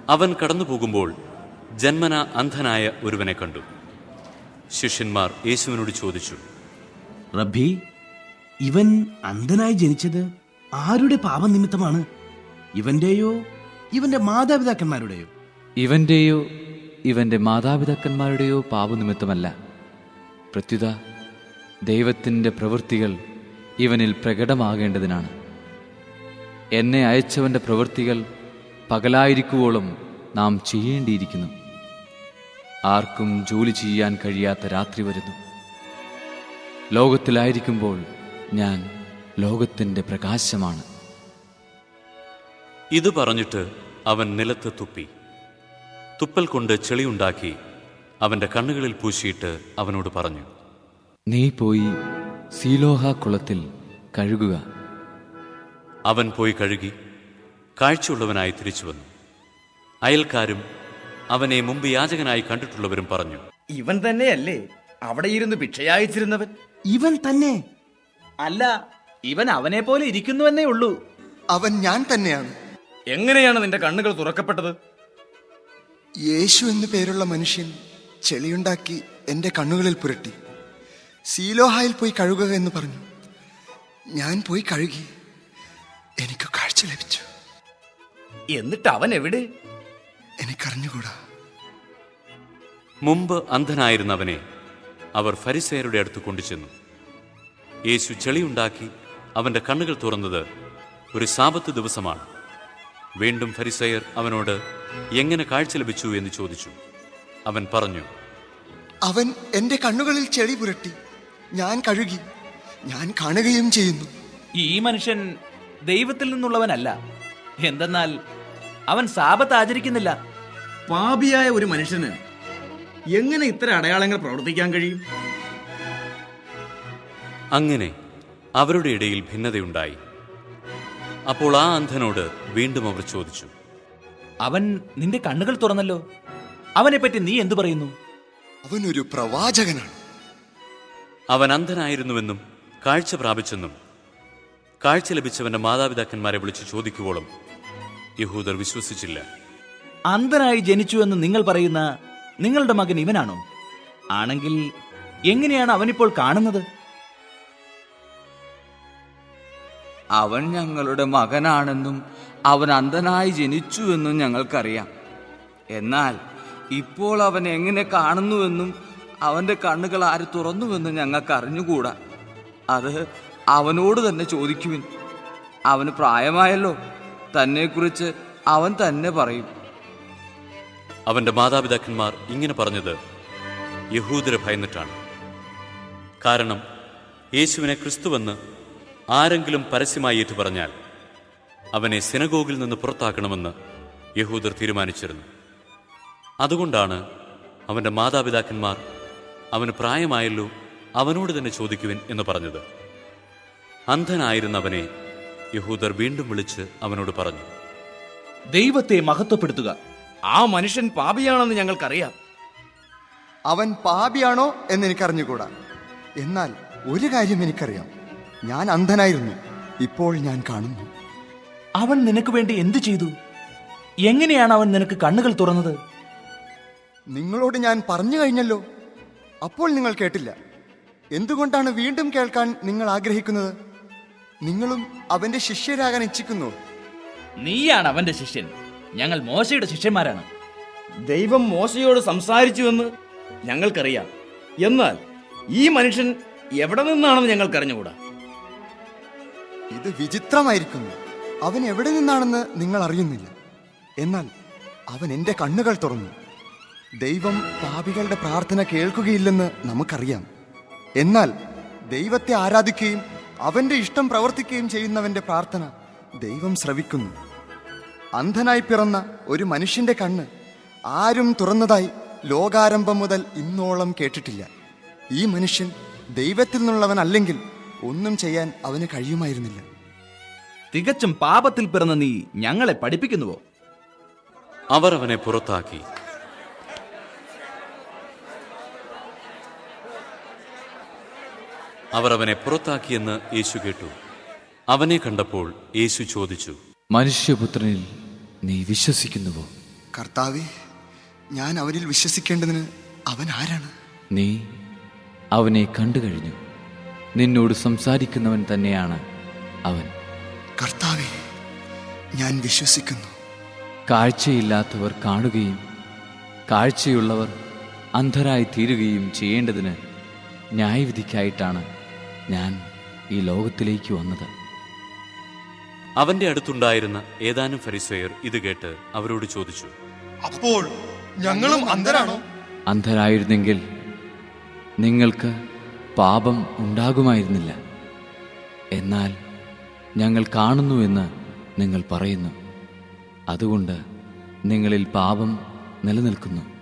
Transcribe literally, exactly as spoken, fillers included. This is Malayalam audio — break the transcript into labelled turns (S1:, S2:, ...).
S1: അവൻ കടന്നുപോകുമ്പോൾ ജന്മന അന്ധനായ ഒരുവനെ കണ്ടു. ശിഷ്യന്മാർ യേശുവിനോട് ചോദിച്ചു,
S2: റബ്ബി, ഇവൻ അന്ധനായി ജനിച്ചത് ആരുടെ പാപനിമിത്തമാണ്? ഇവന്റെയോ ഇവന്റെ മാതാപിതാക്കന്മാരുടെയോ?
S3: ഇവന്റെയോ ഇവന്റെ മാതാപിതാക്കന്മാരുടെയോ പാപനിമിത്തമല്ല, പ്രത്യുത ദൈവത്തിൻ്റെ പ്രവൃത്തികൾ ഇവനിൽ പ്രകടമാകേണ്ടതിനാണ്. എന്നെ അയച്ചവൻ്റെ പ്രവൃത്തികൾ പകലായിരിക്കുവോളം നാം ചെയ്യേണ്ടിയിരിക്കുന്നു. ആർക്കും ജോലി ചെയ്യാൻ കഴിയാത്ത രാത്രി വരുന്നു. ലോകത്തിലായിരിക്കുമ്പോൾ ഞാൻ ലോകത്തിൻ്റെ പ്രകാശമാണ്.
S1: ഇത് പറഞ്ഞിട്ട് അവൻ നിലത്ത് തുപ്പി. തുപ്പൽ കൊണ്ട് ചെളിയുണ്ടാക്കി അവൻ്റെ കണ്ണുകളിൽ പൂശിയിട്ട് അവനോട് പറഞ്ഞു,
S3: നീ പോയി സീലോഹ കുളത്തിൽ കഴുകുക.
S1: അവൻ പോയി കഴുകി കാഴ്ചയുള്ളവനായി തിരിച്ചു വന്നു. അയൽക്കാരും അവനെ മുമ്പ് യാചകനായി കണ്ടിട്ടുള്ളവരും പറഞ്ഞു,
S4: ഇവൻ തന്നെയല്ലേ അവിടെ ഇരുന്ന് ഭിക്ഷയായിച്ചിരുന്നവൻ?
S2: ഇവൻ തന്നെ.
S5: അല്ല, ഇവൻ അവനെ പോലെ ഇരിക്കുന്നുവെന്നേ ഉള്ളൂ.
S6: അവൻ ഞാൻ തന്നെയാണ്.
S4: എങ്ങനെയാണ് നിന്റെ കണ്ണുകൾ തുറക്കപ്പെട്ടത്?
S6: യേശു എന്നു പേരുള്ള മനുഷ്യൻ ചെളിയുണ്ടാക്കി എന്റെ കണ്ണുകളിൽ പുരട്ടി. സീലോഹായിൽ പോയി കഴുകുക എന്ന് പറഞ്ഞു. ഞാൻ പോയി കഴുകി, എനിക്ക് കാഴ്ച ലഭിച്ചു.
S4: എന്നിട്ട് അവൻ എവിടെ?
S6: എനിക്കറിഞ്ഞുകൂടാ.
S1: മുമ്പ് അന്ധനായിരുന്നവനെ അവർ ഫരിസേയരുടെ അടുത്ത് കൊണ്ടുചെന്നു. യേശു ചെളിയുണ്ടാക്കി അവൻ്റെ കണ്ണുകൾ തുറന്നത് ഒരു സാബത്ത് ദിവസമാണ്. വീണ്ടും ഫരിസേയർ അവനോട് എങ്ങനെ കാഴ്ച ലഭിച്ചു എന്ന് ചോദിച്ചു. അവൻ പറഞ്ഞു,
S6: അവൻ എന്റെ കണ്ണുകളിൽ ചെളി പുരട്ടി, ഞാൻ കഴുകി, ഞാൻ കാണുകയും ചെയ്യുന്നു.
S5: ഈ മനുഷ്യൻ ദൈവത്തിൽ നിന്നുള്ളവനല്ല, എന്തെന്നാൽ അവൻ സാബത്ത് ആചരിക്കുന്നില്ല.
S4: പാപിയായ ഒരു മനുഷ്യന് എങ്ങനെ ഇത്തരം അടയാളങ്ങൾ പ്രവർത്തിക്കാൻ കഴിയും?
S1: അങ്ങനെ അവരുടെ ഇടയിൽ ഭിന്നതയുണ്ടായി. അപ്പോൾ ആ അന്ധനോട് വീണ്ടും അവർ ചോദിച്ചു,
S5: അവൻ നിന്റെ കണ്ണുകൾ തുറന്നല്ലോ, അവനെപ്പറ്റി നീ എന്തു പറയുന്നു?
S6: അവനൊരു പ്രവാചകനാണ്.
S1: അവൻ അന്ധനായിരുന്നുവെന്നും കാഴ്ച പ്രാപിച്ചെന്നും കാഴ്ച ലഭിച്ചവന്റെ മാതാപിതാക്കന്മാരെ വിളിച്ച് ചോദിക്കുവോളം യഹൂദർ വിശ്വസിച്ചില്ല.
S5: അന്ധനായി ജനിച്ചു എന്ന് നിങ്ങൾ പറയുന്ന നിങ്ങളുടെ മകൻ ഇവനാണോ? ആണെങ്കിൽ എങ്ങനെയാണ് അവനിപ്പോൾ കാണുന്നത്?
S3: അവൻ ഞങ്ങളുടെ മകനാണെന്നും അവൻ അന്ധനായി ജനിച്ചുവെന്നും ഞങ്ങൾക്കറിയാം. എന്നാൽ ഇപ്പോൾ അവൻ എങ്ങനെ കാണുന്നുവെന്നും അവൻ്റെ കണ്ണുകൾ ആര് തുറന്നുവെന്നും ഞങ്ങൾക്ക് അറിഞ്ഞുകൂടാ. അത് അവനോട് തന്നെ ചോദിക്കുവിൻ. അവന് പ്രായമായല്ലോ, തന്നെക്കുറിച്ച് അവൻ തന്നെ പറയും.
S1: അവന്റെ മാതാപിതാക്കന്മാർ ഇങ്ങനെ പറഞ്ഞത് യഹൂദരെ ഭയന്നിട്ടാണ്. കാരണം യേശുവിനെ ക്രിസ്തുവെന്ന് ആരെങ്കിലും പരസ്യമായി ഏറ്റു പറഞ്ഞാൽ അവനെ സിനഗോഗിൽ നിന്ന് പുറത്താക്കണമെന്ന് യഹൂദർ തീരുമാനിച്ചിരുന്നു. അതുകൊണ്ടാണ് അവന്റെ മാതാപിതാക്കന്മാർ അവന് പ്രായമായല്ലോ, അവനോട് തന്നെ ചോദിക്കുവിൻ എന്ന് പറഞ്ഞത്. അന്ധനായിരുന്നവനെ യഹൂദർ വീണ്ടും വിളിച്ച് അവനോട് പറഞ്ഞു,
S5: ദൈവത്തെ മഹത്വപ്പെടുത്തുക.
S4: ആ മനുഷ്യൻ പാപിയാണെന്ന് ഞങ്ങൾക്കറിയാം.
S6: അവൻ പാപിയാണോ എന്ന് എനിക്കറിഞ്ഞുകൂടാ. എന്നാൽ ഒരു കാര്യം എനിക്കറിയാം, ഞാൻ അന്ധനായിരുന്നു, ഇപ്പോൾ ഞാൻ കാണുന്നു.
S5: അവൻ നിനക്ക് വേണ്ടി എന്തു ചെയ്തു? എങ്ങനെയാണ് അവൻ നിനക്ക് കണ്ണുകൾ തുറന്നത്?
S6: നിങ്ങളോട് ഞാൻ പറഞ്ഞു കഴിഞ്ഞല്ലോ, അപ്പോൾ നിങ്ങൾ കേട്ടില്ല. എന്തുകൊണ്ടാണ് വീണ്ടും കേൾക്കാൻ നിങ്ങൾ ആഗ്രഹിക്കുന്നത്? നിങ്ങളും അവന്റെ ശിഷ്യരാകാൻ ഇച്ഛിക്കുന്നു.
S5: നീയാണ് അവന്റെ ശിഷ്യൻ, ഞങ്ങൾ മോശയുടെ ശിഷ്യന്മാരാണ്.
S4: ദൈവം മോശയോട് സംസാരിച്ചുവെന്ന് ഞങ്ങൾക്കറിയാം. എന്നാൽ ഈ മനുഷ്യൻ എവിടെ നിന്നാണെന്ന് ഞങ്ങൾക്കറിഞ്ഞുകൂടാ.
S6: ഇത് വിചിത്രമായിരിക്കുന്നു. അവൻ എവിടെ നിന്നാണെന്ന് നിങ്ങൾ അറിയുന്നില്ല. എന്നാൽ അവൻ എൻ്റെ കണ്ണുകൾ തുറന്നു. ദൈവം പാപികളുടെ പ്രാർത്ഥന കേൾക്കുകയില്ലെന്ന് നമുക്കറിയാം. എന്നാൽ ദൈവത്തെ ആരാധിക്കുകയും അവന്റെ ഇഷ്ടം പ്രവർത്തിക്കുകയും ചെയ്യുന്നവന്റെ പ്രാർത്ഥന ദൈവം ശ്രവിക്കുന്നു. അന്ധനായി പിറന്ന ഒരു മനുഷ്യന്റെ കണ്ണ് ആരും തുറന്നതായി ലോകാരംഭം മുതൽ ഇന്നോളം കേട്ടിട്ടില്ല. ഈ മനുഷ്യൻ ദൈവത്തിൽ നിന്നുള്ളവനല്ലെങ്കിൽ ഒന്നും ചെയ്യാൻ അവന് കഴിയുമായിരുന്നില്ല.
S5: തികച്ചും പാപത്തിൽ പിറന്ന നീ ഞങ്ങളെ പഠിപ്പിക്കുന്നുവോ?
S1: അവർ അവനെ പുറത്താക്കി. അവർ അവനെ പുറത്താക്കിയെന്ന് യേശു കേട്ടു. അവനെ കണ്ടപ്പോൾ യേശു ചോദിച്ചു,
S3: മനുഷ്യപുത്രനിൽ നീ വിശ്വസിക്കുന്നുവോ?
S6: കർത്താവെ, ഞാൻ അവനിൽ വിശ്വസിക്കേണ്ടതിന് അവൻ ആരാണ്?
S3: നീ അവനെ കണ്ടു കഴിഞ്ഞു. നിന്നോട് സംസാരിക്കുന്നവൻ തന്നെയാണ് അവൻ.
S6: കർത്താവെ, ഞാൻ വിശ്വസിക്കുന്നു.
S3: കാഴ്ചയില്ലാത്തവർ കാണുകയും കാഴ്ചയുള്ളവർ അന്ധരായി തീരുകയും ചെയ്യേണ്ടതിന് ന്യായവിധിക്കായിട്ടാണ് ഞാൻ ഈ ലോകത്തിലേക്ക് വന്നത്.
S1: അവന്റെ അടുത്തുണ്ടായിരുന്ന ഏതാനും ഫരിസേയർ ഇത് കേട്ട് അവരോട് ചോദിച്ചു,
S6: അപ്പോൾ ഞങ്ങളും അന്ധരാണോ?
S3: അന്ധരായിരുന്നെങ്കിൽ നിങ്ങൾക്ക് പാപം ഉണ്ടാകുമായിരുന്നില്ല. എന്നാൽ ഞങ്ങൾ കാണുന്നുവെന്ന് നിങ്ങൾ പറയുന്നു. അതുകൊണ്ട് നിങ്ങളിൽ പാപം നിലനിൽക്കുന്നു.